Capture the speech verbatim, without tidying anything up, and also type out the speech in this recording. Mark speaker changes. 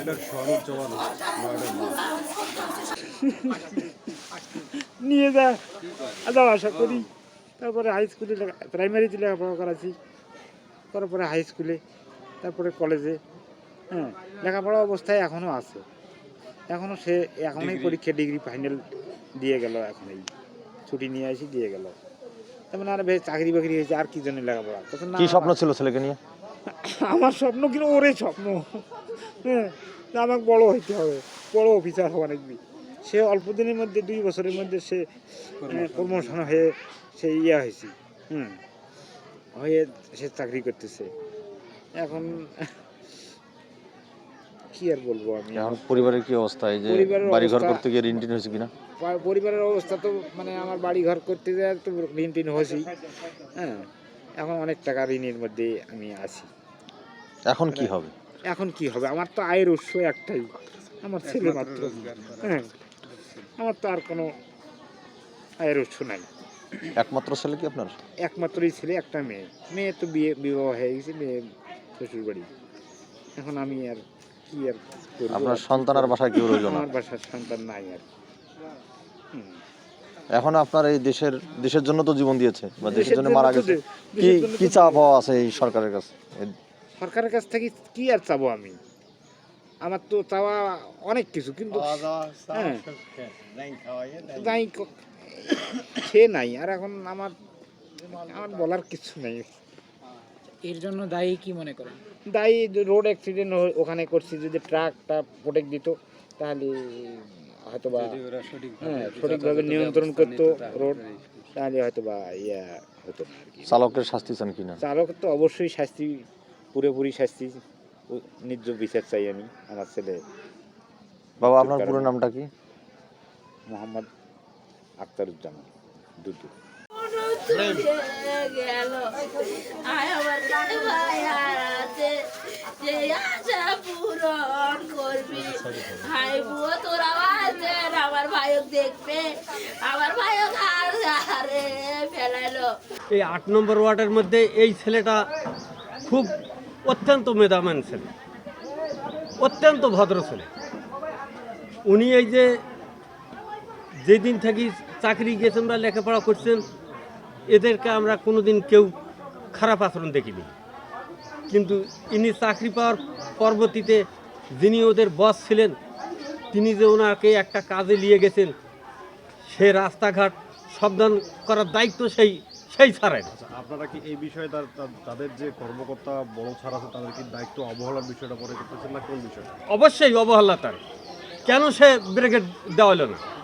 Speaker 1: নিয়ে যা যাওয়া আশা করি। তারপরে হাই স্কুলে প্রাইমারিতে লেখাপড়া করাছি, করার পরে হাই স্কুলে, তারপরে কলেজে। হ্যাঁ, লেখাপড়া অবস্থায় এখনও আছে, এখনও সে এখনই পরীক্ষা ডিগ্রি ফাইনাল দিয়ে গেল, এখন এই ছুটি নিয়ে আসি দিয়ে গেল। তেমন আর বেশ চাকরি বাকরি হয়েছে, আর কি জন্য লেখাপড়া।
Speaker 2: কি স্বপ্ন ছিল ছেলেকে নিয়ে?
Speaker 1: আমার স্বপ্ন কিন্তু ওরে স্বপ্ন, হ্যাঁ, আমাকে বড় হইতে হবে, বড় অফিসার হওয়া নাকি। সে অল্প দিনের মধ্যে, দুই বছরের মধ্যে সে প্রমোশন হয়ে সে ইয়া হয়েছে, হুম, হয়ে সে চাকরি করতেছে। এখন কি আর বলবো আমি।
Speaker 2: এখন পরিবারের কি অবস্থা? এই যে বাড়ি ঘর করতে গিয়ে ঋণ টিন হয়েছে কিনা?
Speaker 1: পরিবারের অবস্থা তো মানে আমার বাড়ি ঘর করতে যায় তো ঋণ টিন হয়েছি, হ্যাঁ, এখন অনেক টাকা ঋণের মধ্যে আমি আছি।
Speaker 2: এখন কি হবে?
Speaker 1: এখন কি হবে, আমার তো আয়ের উৎস একটাই, আমার ছেলে মাত্র, হ্যাঁ, আমার তো আর কোনো আয়ের উৎস নাই।
Speaker 2: একমাত্র ছেলে কি আপনার?
Speaker 1: একমাত্রই ছেলে, একটা মেয়ে। মেয়ে তো বিয়ে বিবাহ হয়ে গেছে, মেয়ে শ্বশুর বাড়ি। এখন আমি আর কি আর করব।
Speaker 2: আপনার সন্তান আর বাসায় কেউ রইল না?
Speaker 1: আমার বাসার সন্তান নাই আর।
Speaker 2: এখন আপনার এই দেশের দেশের জন্য তো জীবন দিয়েছে বা দেশের জন্য মারা গেছে, কি কি চাওয়া পাওয়া আছে এই সরকারের কাছে?
Speaker 1: সরকারের কাছ থেকে কি আর চাবো আমি? আমার তো চাওয়া অনেক কিছু, কিন্তু যাই সে নাই আর। এখন আমার আমার বলার কিছু নেই।
Speaker 3: এর জন্য দায়ী কি মনে করেন?
Speaker 1: দায়ী রোড অ্যাক্সিডেন্ট ওখানে করছি, যদি ট্রাকটা প্রোটেক্ট দিত তাহলে হয়তো বা, হ্যাঁ, সঠিকভাবে নিয়ন্ত্রণ করতো রোড, তাহলে হয়তো বা ইয়া হতো না।
Speaker 2: চালকের শাস্তি চান কিনা?
Speaker 1: চালকের তো অবশ্যই শাস্তি, পুরোপুরি শাস্তি, ন্যায্য বিচার চাই আমি আমার ছেলে।
Speaker 2: বাবা, আপনার পুরো নামটা কি?
Speaker 1: মোহাম্মদ আখতারুজ্জামান দুদু।
Speaker 4: এই আট নম্বর ওয়ার্ডের মধ্যে এই ছেলেটা খুব অত্যন্ত মেধাবান ছেলে, অত্যন্ত ভদ্র ছেলে। উনি এই যে যেদিন থেকে চাকরি গেছেন বা লেখাপড়া করছেন, এদেরকে আমরা কোনোদিন কেউ খারাপ আচরণ দেখিনি। কিন্তু ইনি চাকরি পাওয়ার পরবর্তীতে যিনি ওদের বস ছিলেন, তিনি যে ওনাকে একটা কাজে নিয়ে গেছেন, সে রাস্তাঘাট সাবধান করার দায়িত্ব সেই সেই ছাড়েন।
Speaker 5: আপনারা কি এই বিষয়ে তাদের যে কর্মকর্তা বড় ছাড় আছে তাদের কি দায়িত্ব অবহেলার বিষয়টা পরে করতেছেন না কোন বিষয়?
Speaker 4: অবশ্যই অবহেলা তার। কেন সে ব্রিগেড দেওয়া হলো না?